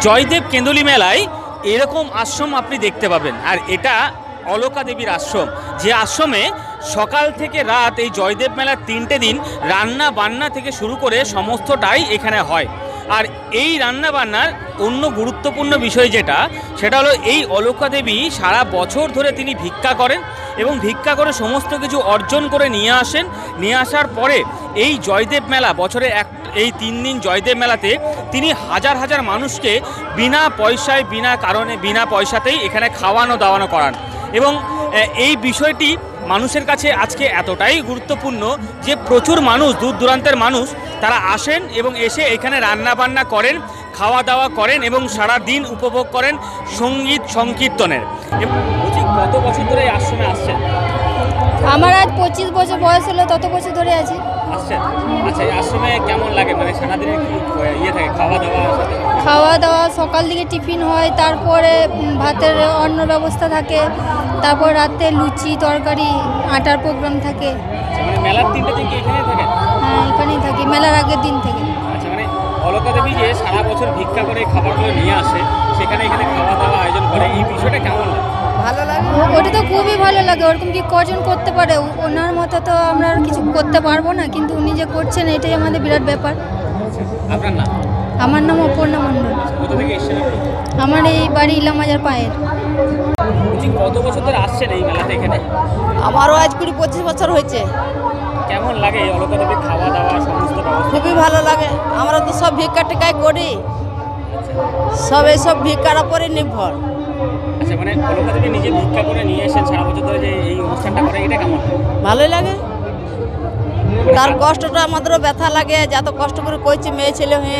জয়দেব কেন্দুলি মেলায় এরকম আশ্রম আপনি দেখতে পাবেন। আর এটা অলকা দেবীর আশ্রম, যে আশ্রমে সকাল থেকে রাত এই জয়দেব মেলার 3টে দিন রান্না বান্না থেকে শুরু করে সমস্তটাই এখানে হয়। আর এই রান্না বান্নার অন্য গুরুত্বপূর্ণ বিষয় সেটা হলো এই অলকা দেবী সারা বছর ধরে তিনি ভিক্ষা করেন এবং ভিক্ষা করে সমস্ত কিছু অর্জন করে নিয়ে আসেন। নিয়ে আসার পরে এই জয়দেব মেলা বছরে এই 3 দিন জয়দেব মেলাতে তিনি হাজার হাজার মানুষকে বিনা পয়সায় বিনা পয়সাতেই এখানে খাওয়ানো দাওয়ানো করান। এবং এই বিষয়টি মানুষের কাছে আজকে এতটাই গুরুত্বপূর্ণ যে প্রচুর মানুষ, দূর দূরান্তের মানুষ তারা আসেন এবং এসে এখানে রান্না বান্না করেন, খাওয়া দাওয়া করেন এবং সারা দিন উপভোগ করেন সঙ্গীত সংকীর্তনের। কত বছর ধরে এই আশ্রমে আসছেন? আমার আজ 25 বছর বয়স হলো, তত বছর ধরে আছি। আসছেন? আচ্ছা, এই আশ্রমে কেমন লাগে? মানে সারাদিনে কি থাকে খাওয়া দাওয়া? খাওয়া দাওয়া সকাল দিকে টিফিন হয়, তারপরে ভাতের অন্ন ব্যবস্থা থাকে, তারপর রাতে লুচি তরকারি আটার প্রোগ্রাম থাকে। মানে মেলার 3টে দিন কি এখানেই থাকেন? হ্যাঁ, এখানেই থাকি মেলার আগের দিন থেকে। আচ্ছা, মানে অলকা দেবী যে সারা বছর ভিক্ষা করে খাবারগুলো নিয়ে আসে, সেখানে এখানে খাওয়া দাওয়া আয়োজন করে, এই বিষয়টা কেমন লাগে? ভালো লাগে, ওটা তো খুবই ভালো লাগে। ওরকম কি কজন করতে পারে? ওনার মতো তো আমরা আর কিছু করতে পারবো না, কিন্তু উনি যে করছেন এটাই আমাদের বিরাট ব্যাপার। আপনার নাম? আমার নাম অপর্ণা মণ্ডল। কোথা থেকে এসেছেন আপনি? আমার এই বাড়ি ইলামাজার পায়ের। কত বছর ধরে আসছেন এই মেলাতে এখানে? আমারও আজ 20-25 বছর হয়েছে। কেমন লাগে এই অলকা দেবীর খাওয়া দাওয়া সমস্ত ব্যবস্থা? খুবই ভালো লাগে। আমরা তো সব ভিক্ষা টিকাই করি, সব এইসব ভিক্ষার উপরে নির্ভর। আচ্ছা, মানে অলকা দেবী নিজে ভিক্ষা করে নিয়ে এসেন সারা বছর ধরে যে এই অনুষ্ঠানটা করে, এটা কেমন? ভালোই লাগে। তার কষ্টটা আমাদেরও ব্যথা লাগে, যত কষ্ট করে করছি মেয়ে ছেলে হয়ে।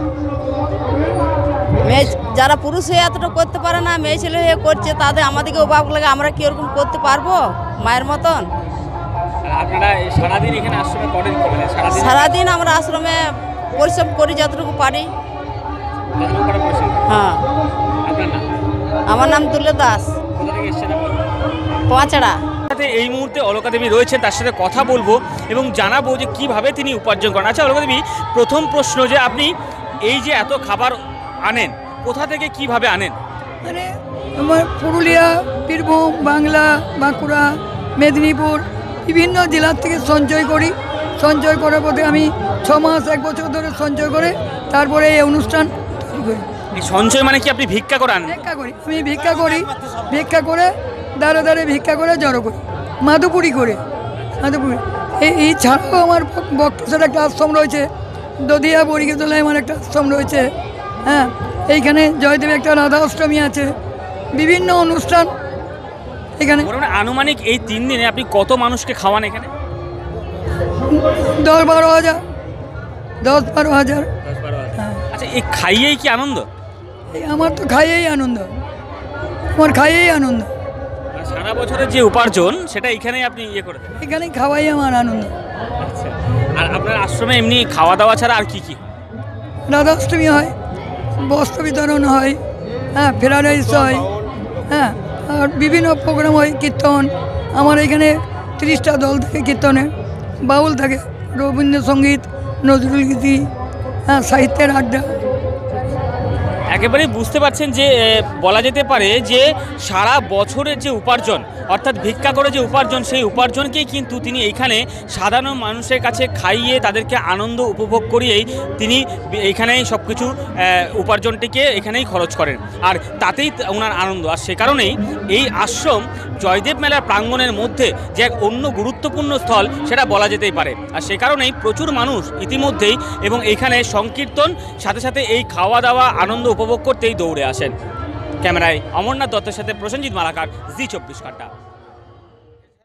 মেয়ে যারা পুরুষ হয়ে এতটা করতে পারে না, মেয়ে ছেলে হয়ে করছে, তাদের আমাদেরকে অভাব লাগে। আমরা কি ওরকম করতে পারবো মায়ের মতন? আপনারা সারাদিন এখানে আশ্রমে করেন কি? মানে সারাদিন আমরা আশ্রমে পরিশ্রম করি যতটুকু পারি। হ্যাঁ। আপনার নাম? আমার নাম দুলে দাস, কোথা থেকে এসেছেন আপনি? পাঁচড়া। এই মুহূর্তে অলকা দেবী রয়েছে, তার সাথে কথা বলবো এবং জানাবো যে কিভাবে তিনি উপার্জন করেন। আচ্ছা অলকা দেবী, প্রথম প্রশ্ন যে আপনি এই যে এত খাবার আনেন, কোথা থেকে কিভাবে আনেন? মানে আমার পুরুলিয়া, বীরভূম, বাংলা, বাঁকুড়া, মেদিনীপুর বিভিন্ন জেলার থেকে সঞ্চয় করি। সঞ্চয় করার পথে আমি 6 মাস 1 বছর ধরে সঞ্চয় করে তারপরে এই অনুষ্ঠান তৈরি করি। এই সঞ্চয় মানে কি আপনি ভিক্ষা করে আনেন? ভিক্ষা করি, আমি ভিক্ষা করে দাঁড়ে দাঁড়ে ভিক্ষা করে জড়ো করি, মাধুপুরি এই ছাড়াও আমার বক্তসার একটা আশ্রম রয়েছে, দধিয়া বরিগেতলায় আমার একটা আশ্রম রয়েছে। হ্যাঁ, এইখানে জয়দেব একটা রাধা অষ্টমী আছে, বিভিন্ন অনুষ্ঠান এখানে। আনুমানিক এই 3 দিনে আপনি কত মানুষকে খাওয়ান এখানে? 10-12 হাজার। 10-12 হাজার। আচ্ছা, এই খাইয়েই কি আনন্দ? আমার তো খাইয়েই আনন্দ, আমার খাইয়েই আনন্দ। সারা বছরের যে উপার্জন সেটা এখানেই আপনি করে দেন? এখানেই খাওয়াই আমার আনন্দ। আচ্ছা, আর আপনার আশ্রমে এমনি খাওয়া দাওয়া ছাড়া আর কি? রাধা অষ্টমী হয়, বস্ত্র বিতরণ হয়, হ্যাঁ, ফ্রাইড রাইস হয়, হ্যাঁ, আর বিভিন্ন প্রোগ্রাম হয়, কীর্তন। আমার এখানে 30টা দল থাকে কীর্তনে, বাউল থাকে, রবীন্দ্রসঙ্গীত, নজরুল গীতি, হ্যাঁ, সাহিত্যের আড্ডা। একেবারেই বুঝতে পারছেন যে বলা যেতে পারে যে সারা বছরের যে উপার্জন, অর্থাৎ ভিক্ষা করে যে উপার্জন, সেই উপার্জনকেই কিন্তু তিনি এইখানে সাধারণ মানুষের কাছে খাইয়ে তাদেরকে আনন্দ উপভোগ করিয়েই তিনি এইখানেই সব কিছু উপার্জনটিকে এখানেই খরচ করেন। আর তাতেই ওনার আনন্দ। আর সে কারণেই এই আশ্রম জয়দেব মেলার প্রাঙ্গণের মধ্যে যে এক অন্য গুরুত্বপূর্ণ স্থল, সেটা বলা যেতেই পারে। আর সে কারণেই প্রচুর মানুষ ইতিমধ্যেই এবং এখানে সংকীর্তন সাথে সাথে এই খাওয়া দাওয়া আনন্দ উপভোগ করতেই দৌড়ে আসেন। ক্যামেরায় অমরনাথ দত্তের সাথে প্রসেনজিৎ মালাকার, জি 24 ঘন্টা।